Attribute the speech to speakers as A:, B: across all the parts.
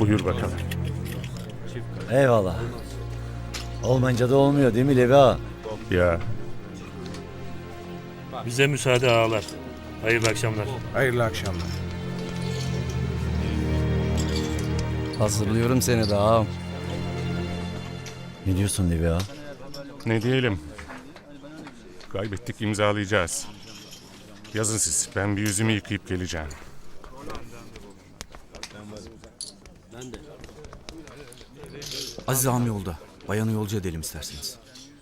A: Buyur bakalım.
B: Eyvallah. Olmayınca da olmuyor değil mi Levi ağa?
A: Ya
C: Bize müsaade ağalar. Hayırlı akşamlar.
D: Hayırlı akşamlar.
E: Hazırlıyorum seni de ağam.
B: Ne diyorsun Levi ağa?
A: ne diyelim. Kaybettik, imzalayacağız. Yazın siz. Ben bir yüzümü yıkayıp geleceğim.
F: Aziz ağam yolda. Bayanı yolcu edelim isterseniz.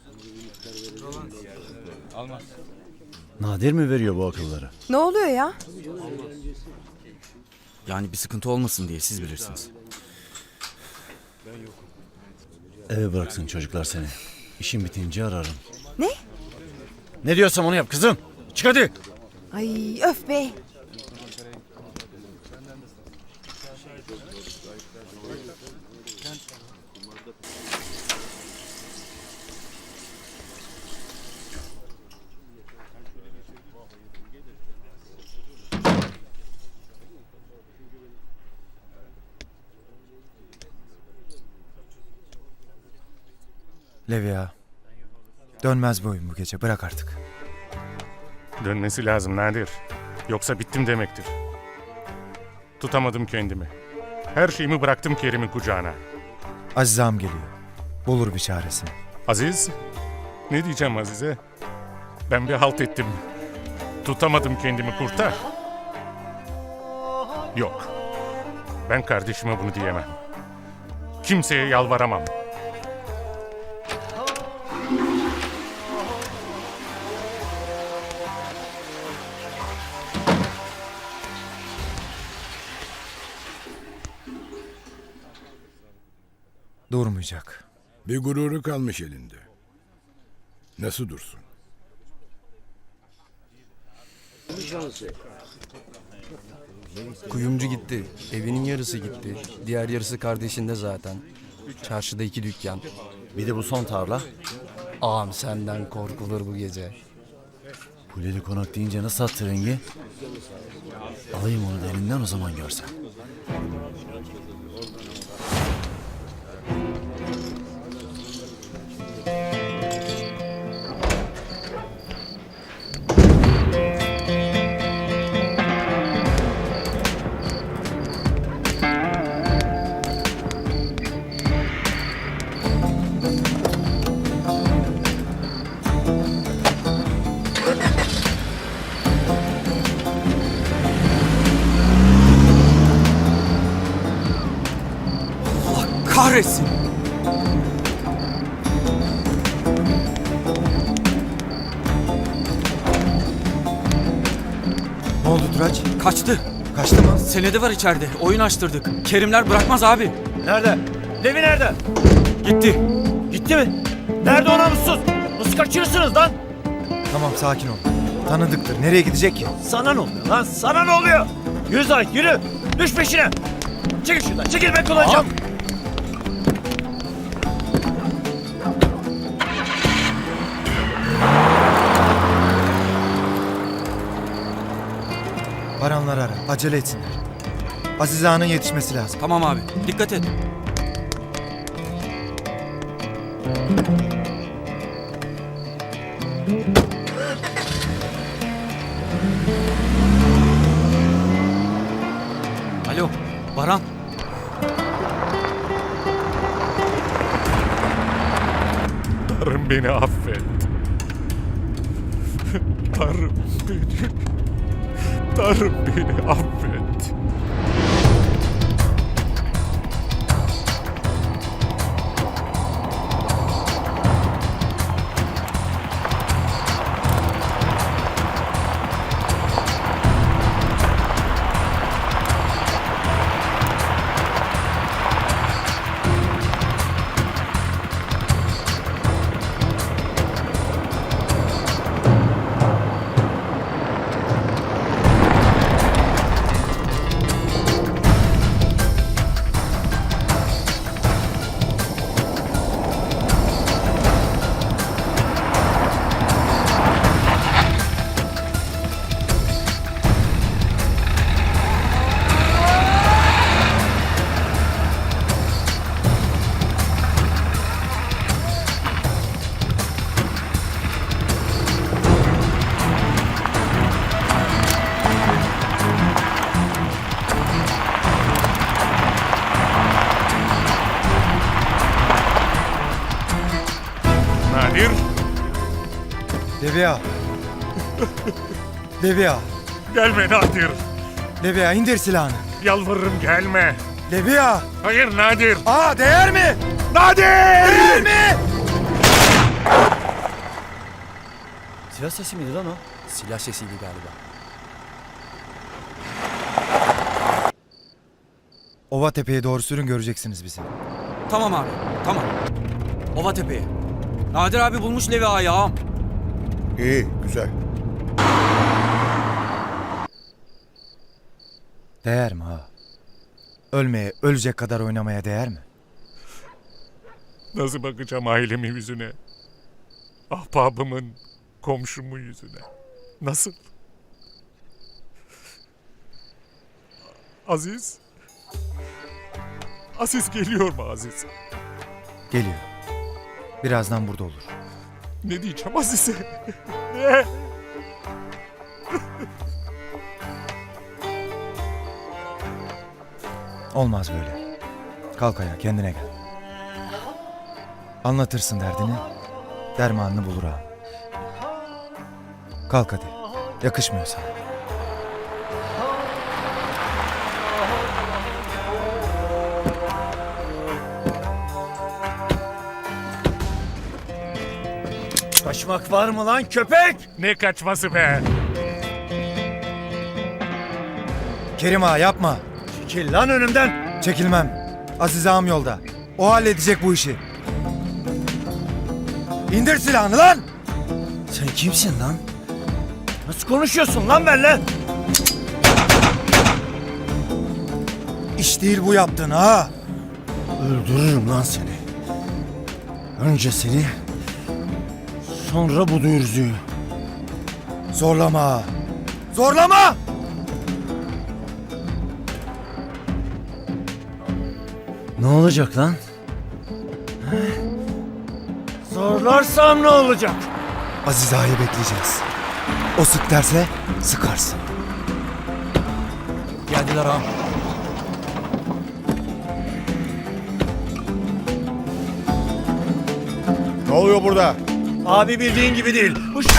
B: Nadir mi veriyor bu akılları?
G: Ne oluyor ya?
F: Yani bir sıkıntı olmasın diye siz bilirsiniz.
B: Eve bıraksın çocuklar seni. İşim bitince ararım.
G: Ne?
B: Ne diyorsam onu yap kızım. Çık hadi.
G: Ay öf be.
D: Levi ağa. Dönmez bu oyun bu gece. Bırak artık.
A: Dönmesi lazım Nadir. Yoksa bittim demektir. Tutamadım kendimi. Her şeyimi bıraktım Kerim'in kucağına.
D: Aziz ağam geliyor. Bulur bir çaresini.
A: Aziz? Ne diyeceğim Aziz'e? Ben bir halt ettim. Tutamadım kendimi, kurtar. Yok. Ben kardeşime bunu diyemem. Kimseye yalvaramam.
D: Durmayacak.
H: Bir gururu kalmış elinde. Nasıl dursun?
E: Kuyumcu gitti. Evinin yarısı gitti. Diğer yarısı kardeşinde zaten. Çarşıda 2 dükkan.
B: Bir de bu son tarla.
E: Ağam senden korkulur bu gece.
B: Kuleli konak deyince nasıl attı rengi? Alayım onu da elinden o zaman görsen.
F: Kahretsin!
D: Ne oldu Turaç?
F: Kaçtı.
D: Kaçtı mı?
F: Senedi var içeride. Oyun açtırdık. Kerimler bırakmaz abi.
B: Nerede? Levi nerede?
F: Gitti.
B: Gitti mi? Nerede o namussuz? Nasıl kaçırırsınız lan?
D: Tamam sakin ol. Tanıdıktır. Nereye gidecek ki?
B: Sana ne oluyor lan? Sana ne oluyor? Yürü Zahit yürü. Düş peşine. Çekil şuradan. Çekil ben kullanacağım.
D: Baranları ara. Acele etsinler. Aziz ağanın yetişmesi lazım.
F: Tamam abi. Dikkat et. Alo. Baran.
A: Tanrım beni affet. Tanrım beni... Tanrım beni affet.
D: Levi ağa. Levi ağa.
A: Gelme Nadir.
D: Levi ağa indir silahını.
A: Yalvarırım gelme.
D: Levi ağa.
A: Hayır Nadir.
D: Ağa değer mi?
A: Nadir!
D: Değer mi?
B: Silah sesi miydi lan o?
E: Silah sesiydi galiba.
D: Ova tepeye doğru sürün, göreceksiniz bizi.
F: Tamam abi, tamam. Ova Tepe'ye. Nadir abi bulmuş Levi Ağa'yı ağam.
H: İyi, güzel.
D: Değer mi ağa? Ölmeye, ölecek kadar oynamaya değer mi?
A: Nasıl bakacağım ailemin yüzüne? Ahbabımın, komşumun yüzüne. Nasıl? Aziz? Aziz geliyor mu Aziz?
D: Geliyor. Birazdan burada olur.
A: Ne diyeceğim Aziz'e? Ne?
D: Olmaz böyle. Kalk ayağa, kendine gel. Anlatırsın derdini, dermanını bulur ağam. Kalk hadi. Yakışmıyor sana.
B: Kaçmak var mı lan köpek?
A: Ne kaçması be?
D: Kerim ağa yapma.
B: Çekil lan önümden.
D: Çekilmem. Aziz ağam yolda. O halledecek bu işi. İndir silahını lan!
B: Sen kimsin lan? Nasıl konuşuyorsun lan benimle?
D: İş değil bu yaptığın ha.
B: Öldürürüm lan seni. Önce seni, sonra bu dürzüyü.
D: Zorlama. Zorlama!
B: Ne olacak lan? He? Zorlarsam ne olacak?
D: Aziz ağayı bekleyeceğiz. O sık derse sıkarsın.
F: Geldiler ağam.
H: Ne oluyor burada?
B: Abi bildiğin gibi değil.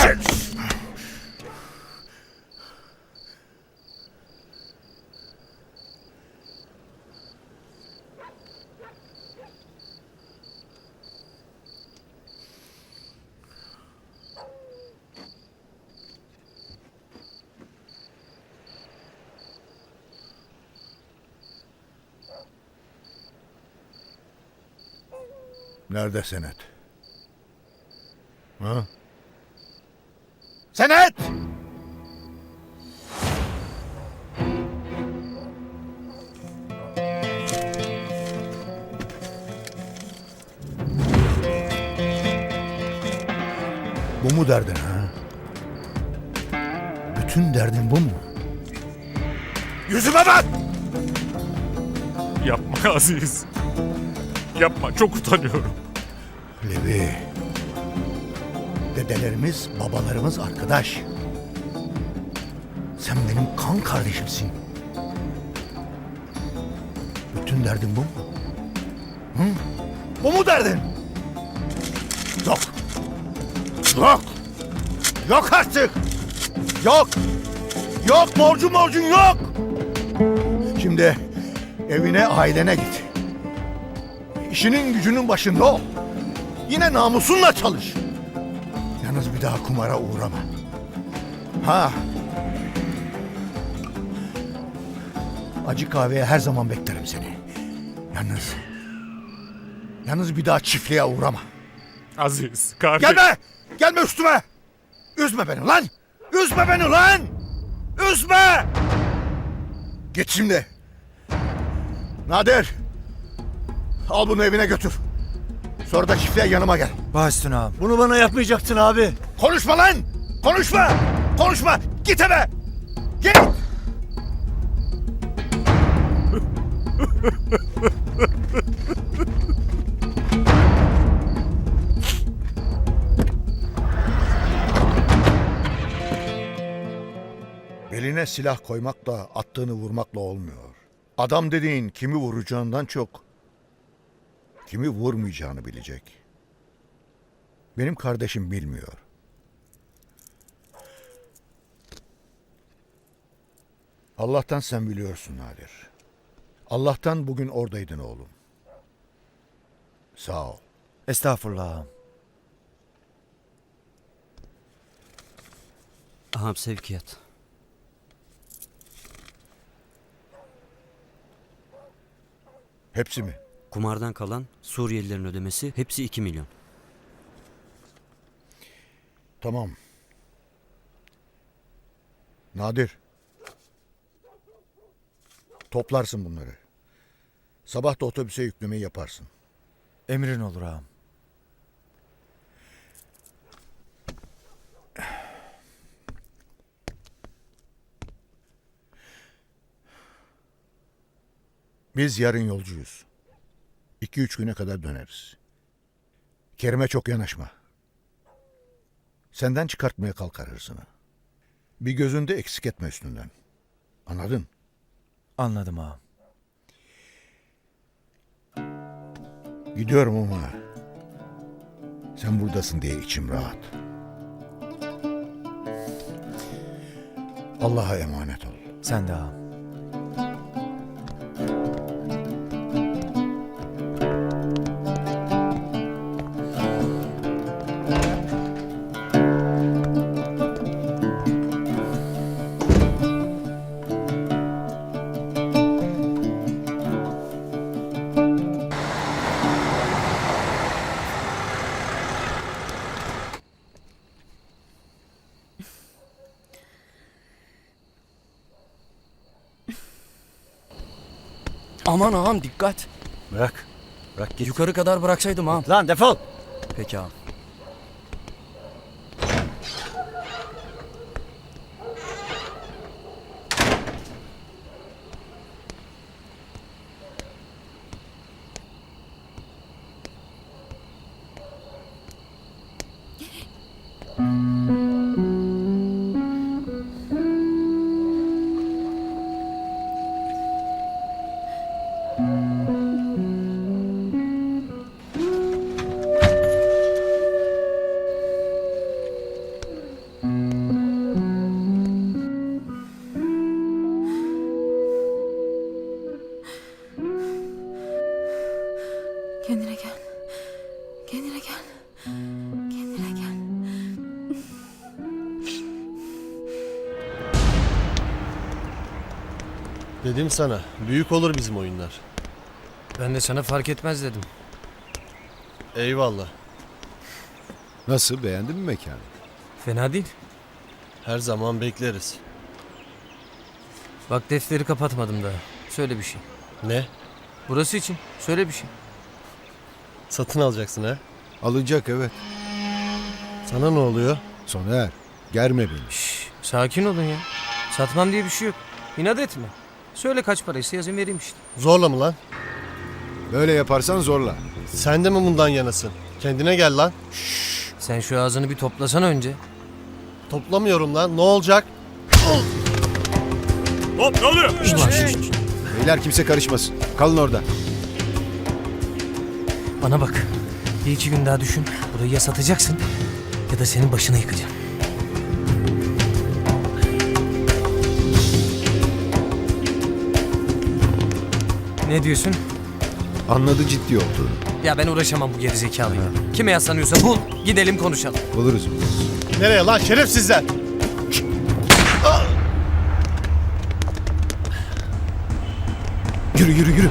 H: Nerede senet? Ha? Senet! Bu mu derdin ha? Bütün derdin bu mu? Yüzüme bak!
A: Yapma Aziz. Yapma, çok utanıyorum.
H: Levi. Dedelerimiz, babalarımız arkadaş. Sen benim kan kardeşimsin. Bütün derdin bu mu? Hı? Bu mu derdin? Yok. Yok. Yok artık. Yok. Yok borcun yok. Şimdi evine, ailene git. İşinin gücünün başında ol. Yine namusunla çalış. Yalnız bir daha kumara uğrama. Ha. Acı kahveye her zaman beklerim seni. Yalnız bir daha çiftliğe uğrama.
A: Aziz, kardeş.
H: Gelme! Gelme üstüme! Üzme beni lan! Üzme beni lan! Üzme! Git şimdi. Nadir! Al bunu evine götür. Sonra da çiftliğe yanıma gel.
D: Baş üstüne ağam.
B: Bunu bana yapmayacaktın abi.
H: Konuşma lan! Konuşma! Konuşma! Git eve! Git! Beline silah koymakla, attığını vurmakla olmuyor. Adam dediğin kimi vuracağından çok kimi vurmayacağını bilecek. Benim kardeşim bilmiyor. Allah'tan sen biliyorsun Nadir. Allah'tan bugün oradaydın oğlum. Sağ ol.
D: Estağfurullah ağam.
F: Ağam sevkiyat.
H: Hepsi mi?
F: Kumardan kalan Suriyelilerin ödemesi hepsi 2 milyon.
H: Tamam. Nadir. Toplarsın bunları. Sabah da otobüse yüklemeyi yaparsın.
D: Emrin olur ağam.
H: Biz yarın yolcuyuz. 2-3 güne kadar döneriz. Kerim'e çok yanaşma. Senden çıkartmaya kalkar hırsını. Bir gözünde eksik etme üstünden. Anladın?
D: Anladım ağam.
H: Gidiyorum ama sen buradasın diye içim rahat. Allah'a emanet ol.
D: Sen de ağam.
E: Aman ağam dikkat.
B: Bırak. Bırak git.
E: Yukarı kadar bıraksaydım ağam.
B: Lan defol.
E: Peki ağam.
G: Kendine gel. Kendine gel. Kendine gel.
I: Dedim sana, büyük olur bizim oyunlar.
E: Ben de sana fark etmez dedim.
I: Eyvallah.
H: Nasıl, beğendin mi mekanı?
E: Fena değil.
I: Her zaman bekleriz.
E: Bak defteri kapatmadım daha. Söyle bir şey.
I: Ne?
E: Burası için. Söyle bir şey.
I: Satın alacaksın ha?
H: Alınacak, evet.
I: Sana ne oluyor?
H: Soner, germe beni.
E: Şşş, sakin olun ya. Satmam diye bir şey yok. İnat etme. Söyle kaç paraysa yazayım vereyim işte.
I: Zorla mı lan?
H: Böyle yaparsan zorla.
I: Sen de mi bundan yanasın? Kendine gel lan.
E: Sen şu ağzını bir toplasana önce.
I: Toplamıyorum lan, ne olacak?
A: Hop ne oluyor?
H: Beyler kimse karışmasın. Kalın orada.
E: Bana bak. Bir iki gün daha düşün. Burayı ya satacaksın ya da senin başına yıkacağım. Ne diyorsun?
H: Anladı ciddi olduğunu.
E: Ya ben uğraşamam bu gerizekalıyla. Kime yaslanıyorsa bul, gidelim konuşalım.
H: Buluruz.
I: Nereye lan şerefsizler?
H: Yürü yürü yürü.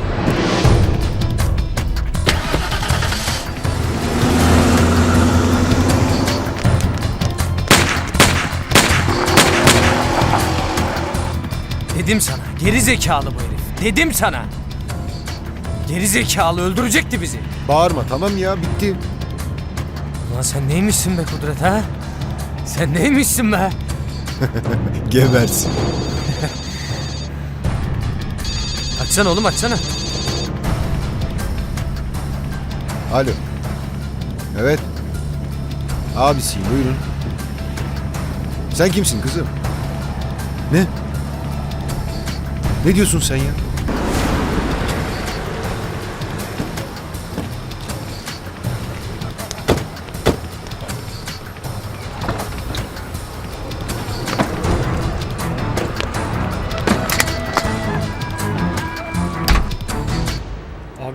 E: Dedim sana, geri zekalı bu herif. Dedim sana. Geri zekalı öldürecekti bizi.
H: Bağırma, tamam ya, bitti.
E: Ulan sen neymişsin be Kudret ha? Sen neymişsin be?
H: Gebersin.
E: Açsana oğlum açsana.
H: Alo. Evet. Abisiyim, buyurun. Sen kimsin kızım? Ne? Ne diyorsun sen ya?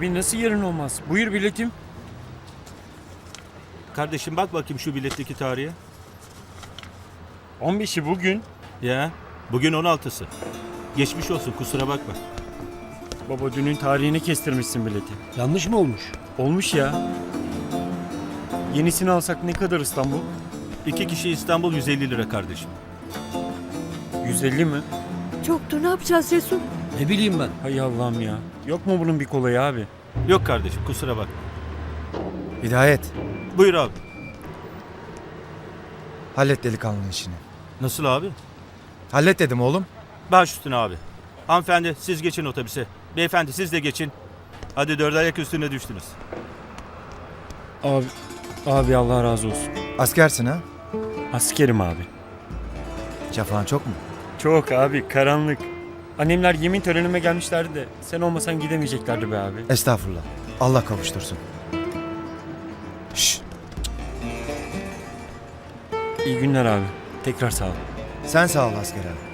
F: Abi nasıl yarın olmaz? Buyur biletim.
J: Kardeşim bak bakayım şu biletteki tarihe.
F: 15'i bugün.
J: Ya bugün 16'sı. Geçmiş olsun kusura bakma.
F: Baba dünün tarihini kestirmişsin bileti.
J: Yanlış mı olmuş?
F: Olmuş ya. Yenisini alsak ne kadar İstanbul?
J: 2 kişi İstanbul 150 lira kardeşim.
F: 150 mi?
G: Çoktur, ne yapacağız Resul?
J: Ne bileyim ben.
F: Hay Allah'ım ya. Yok mu bunun bir kolayı abi?
J: Yok kardeşim kusura bakma.
D: Hidayet.
J: Buyur abi.
D: Hallet delikanlının işini.
J: Nasıl abi?
D: Hallet dedim oğlum.
J: Baş üstüne abi. Hanımefendi siz geçin otobüse. Beyefendi siz de geçin. Hadi 4 ayak üstüne düştünüz.
F: Abi Allah razı olsun.
D: Askersin ha?
F: Askerim abi.
D: Cafan çok mu?
F: Çok abi karanlık. Annemler yemin törenime gelmişlerdi de sen olmasan gidemeyeceklerdi be abi.
D: Estağfurullah. Allah kavuştursun. Şşş.
F: İyi günler abi. Tekrar sağ ol.
D: Sen sağ ol asker abi.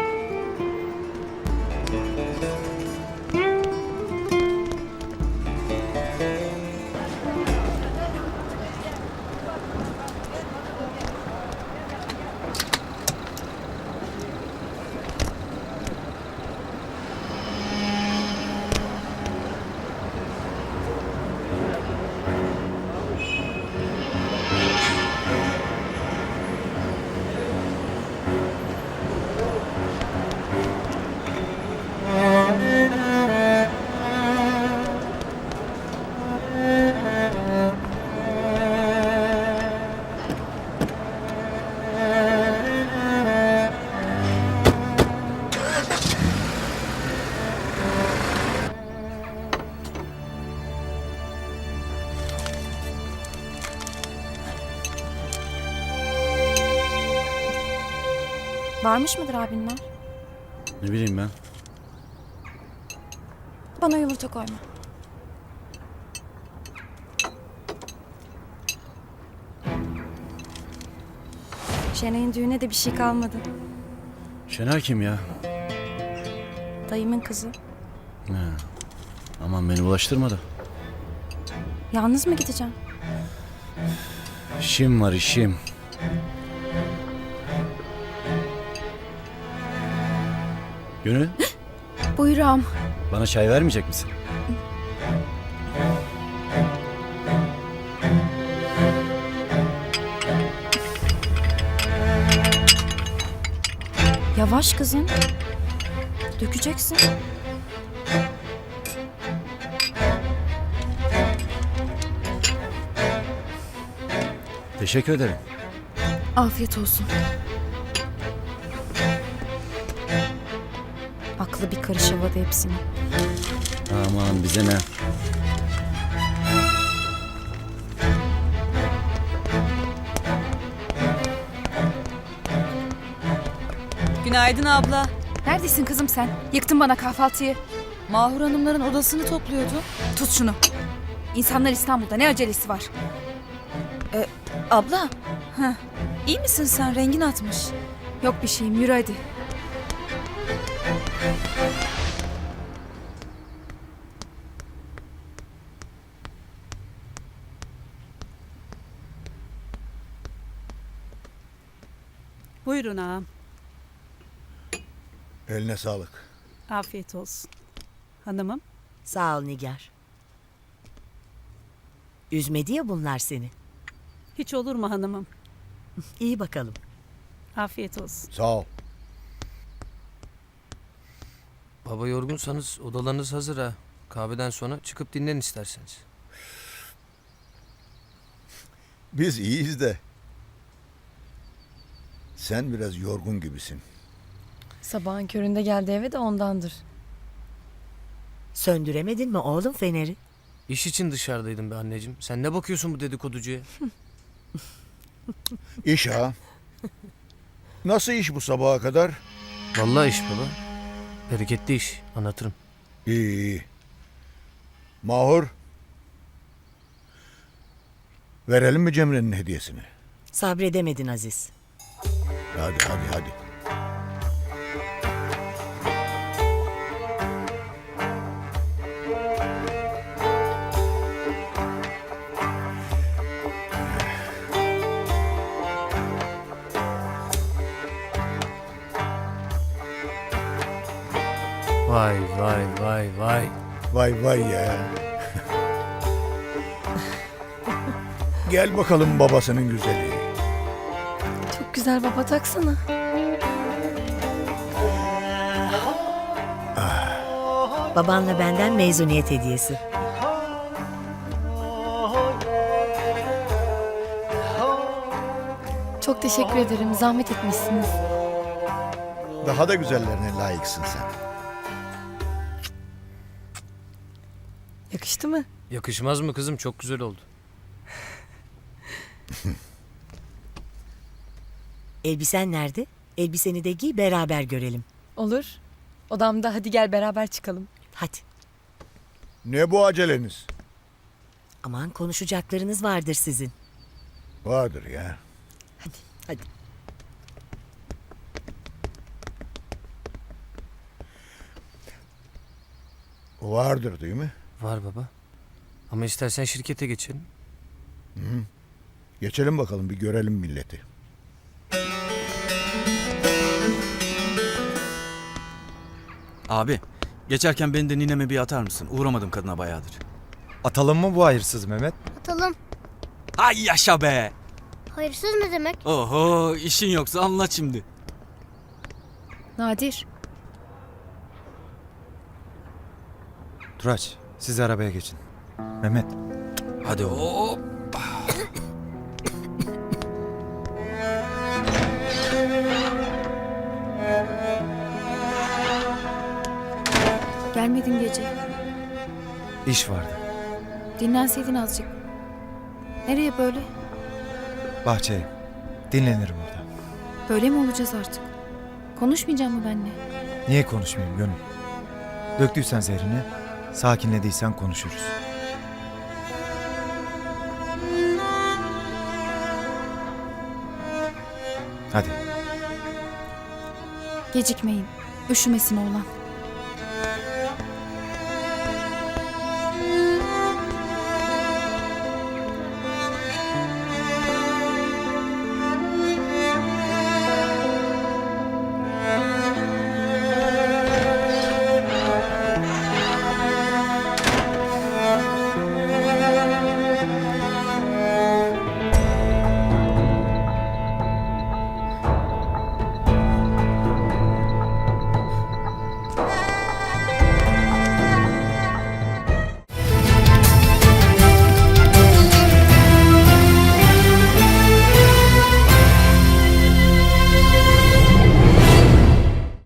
G: Varmış mıdır abinler?
B: Ne bileyim ben.
G: Bana yumurta koyma. Şenay'ın düğüne de bir şey kalmadı.
B: Şener kim ya?
G: Dayımın kızı.
B: Ha. Aman beni bulaştırma da.
G: Yalnız mı gideceğim?
B: İşim var işim. Gönül,
G: Buyur ağam.
B: bana çay vermeyecek misin?
G: Yavaş kızım. Dökeceksin.
B: Teşekkür ederim.
G: Afiyet olsun. Aklı bir karış havada hepsini.
B: Aman bize ne?
K: Günaydın abla.
G: Neredesin kızım sen? Yıktın bana kahvaltıyı.
K: Mahur Hanımların odasını topluyordu.
G: Tut şunu. İnsanlar İstanbul'da, ne acelesi var?
K: Abla. İyi misin sen? Rengin atmış.
G: Yok bir şeyim, yürü hadi.
K: Buyurun ağam.
H: Eline sağlık.
K: Afiyet olsun. Hanımım.
L: Sağ ol Nigar. Üzmedi ya bunlar seni.
K: Hiç olur mu hanımım?
L: İyi bakalım.
K: Afiyet olsun.
H: Sağ ol.
E: Baba yorgunsanız odalarınız hazır ha. Kahveden sonra çıkıp dinlen isterseniz.
H: Biz iyiyiz de. Sen biraz yorgun gibisin.
G: Sabahın köründe geldi eve de ondandır.
L: Söndüremedin mi oğlum feneri?
E: İş için dışarıdaydım be anneciğim. Sen ne bakıyorsun bu dedikoducuya?
H: İş ha. Nasıl iş bu sabaha kadar?
E: Vallahi iş baba. Bereketli iş. Anlatırım.
H: İyi iyi. Mahur. Verelim mi Cemre'nin hediyesini?
L: Sabredemedin Aziz.
H: Hadi.
B: Vay vay vay vay.
H: Vay vay ya. Gel bakalım babasının güzeli.
G: Çok güzel baba, taksana.
L: Babanla benden mezuniyet hediyesi.
G: Çok teşekkür ederim. Zahmet etmişsiniz.
H: Daha da güzellerine layıksın sen.
G: Yakıştı mı?
E: Yakışmaz mı kızım? Çok güzel oldu.
L: Elbisen nerede? Elbiseni de giy beraber görelim.
G: Olur. Odamda, hadi gel beraber çıkalım.
L: Hadi.
H: Ne bu aceleniz?
L: Aman konuşacaklarınız vardır sizin.
H: Vardır ya.
L: Hadi.
H: Vardır değil mi?
E: Var baba. Ama istersen şirkete geçelim.
H: Geçelim bakalım bir görelim milleti.
F: Abi, geçerken beni de nineme bir atar mısın? Uğramadım kadına bayağıdır.
D: Atalım mı bu hayırsız Mehmet?
M: Atalım.
F: Ay yaşa be!
M: Hayırsız ne demek?
F: Oho, işin yoksa anlat şimdi.
G: Nadir.
D: Turaç siz arabaya geçin. Mehmet
F: Hadi hop.
G: Gelmedin gece.
D: iş vardı.
G: Dinlenseydin azıcık. Nereye böyle?
D: Bahçeye. Dinlenirim orada.
G: Böyle mi olacağız artık? Konuşmayacak mı benimle?
D: Niye konuşmayayım gönül? Döktüysen zehrini, sakinlediysen konuşuruz. Hadi.
G: Gecikmeyin. Üşümesin oğlan.